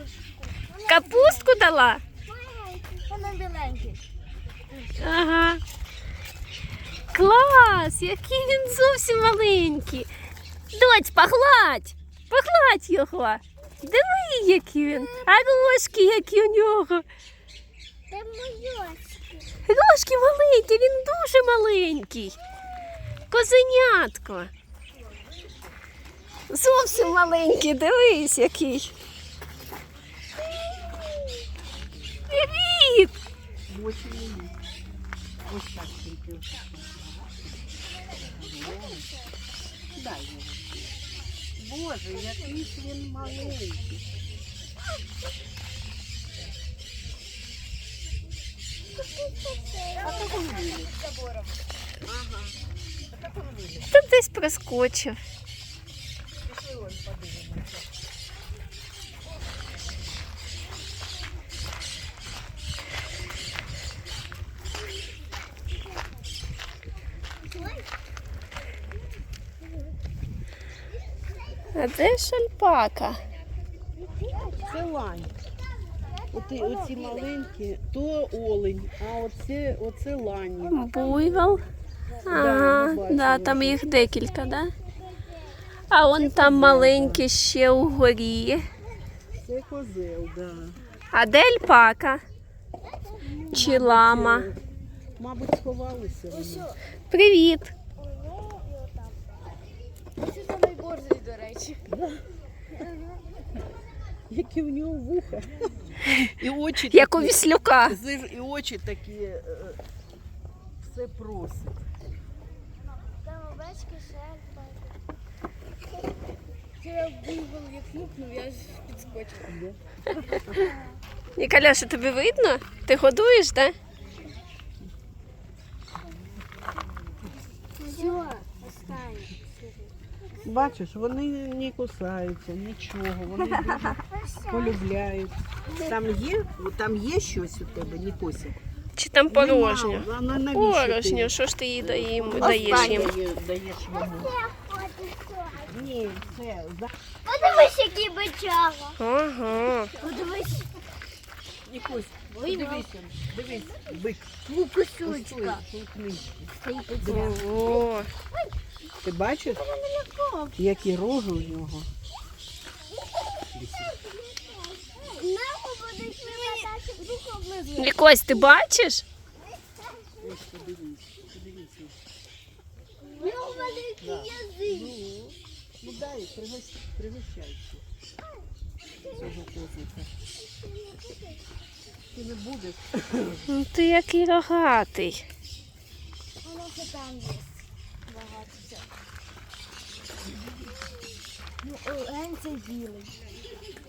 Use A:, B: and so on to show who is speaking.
A: Капустку дала?
B: Вона біленький.
A: Ага. Клас, який він зовсім маленький. Доць, погладь. Погладь його. Диви, який він. А рожки, які у нього.
B: Це мойочки.
A: Рожки маленькі, він дуже маленький. Козенятко. Зовсім маленький, дивись який. Привіт!
C: Ось так тільки. Дай його. Боже, який ж він маленький. А то він виліз. Ага. А то він виліз.
A: Тут десь проскочив.
C: Пішли ось подивимося.
A: А де ж альпака?
C: Це лань. Оці маленькі, то олень, а оце лані.
A: Буйвол. Ага,
C: ми бачили.
A: да, там їх декілька, да? А он там маленький ще угорі.
C: Це козел, да.
A: А де альпака? Чи лама?
C: Мабуть, сховалися вони.
A: Привіт.
B: Це самий борзий, до речі.
C: Які в нього вуха. І очі
A: Як у
C: такі,
A: віслюка.
C: і очі такі, все просить.
B: Там овечки, шельпа. Вчора буйвол як флюкнув, я ж підскочила.
A: Ніколяша, тобі видно? Ти годуєш, так?
B: Все, останнє.
C: Бачиш, вони не кусаються, нічого, вони дуже полюбляють. Там є щось у тебе, Нікося?
A: Чи там порожньо?
C: Нема. Навіщо
A: Порожньо,
C: ти?
A: що ж ти їй даєш їм?
C: Даєш йому. Ні, це
B: Подивись, який бичага.
A: Ага.
B: Подивись.
C: Нікось, дивись, бик.
B: Кусючка.
A: Ого.
C: Ти бачиш, які рожі у нього?
B: Мама буде вилатати в руку облизу.
A: Лікось, ти бачиш?
C: Ось подивись.
B: У нього великий язик.
C: Ну дай, пригощайся. Цього козика. Ти не будеш?
A: Ну ти який рогатий.
B: Воно ще там є. Багато всього. Ну, Олень це білий.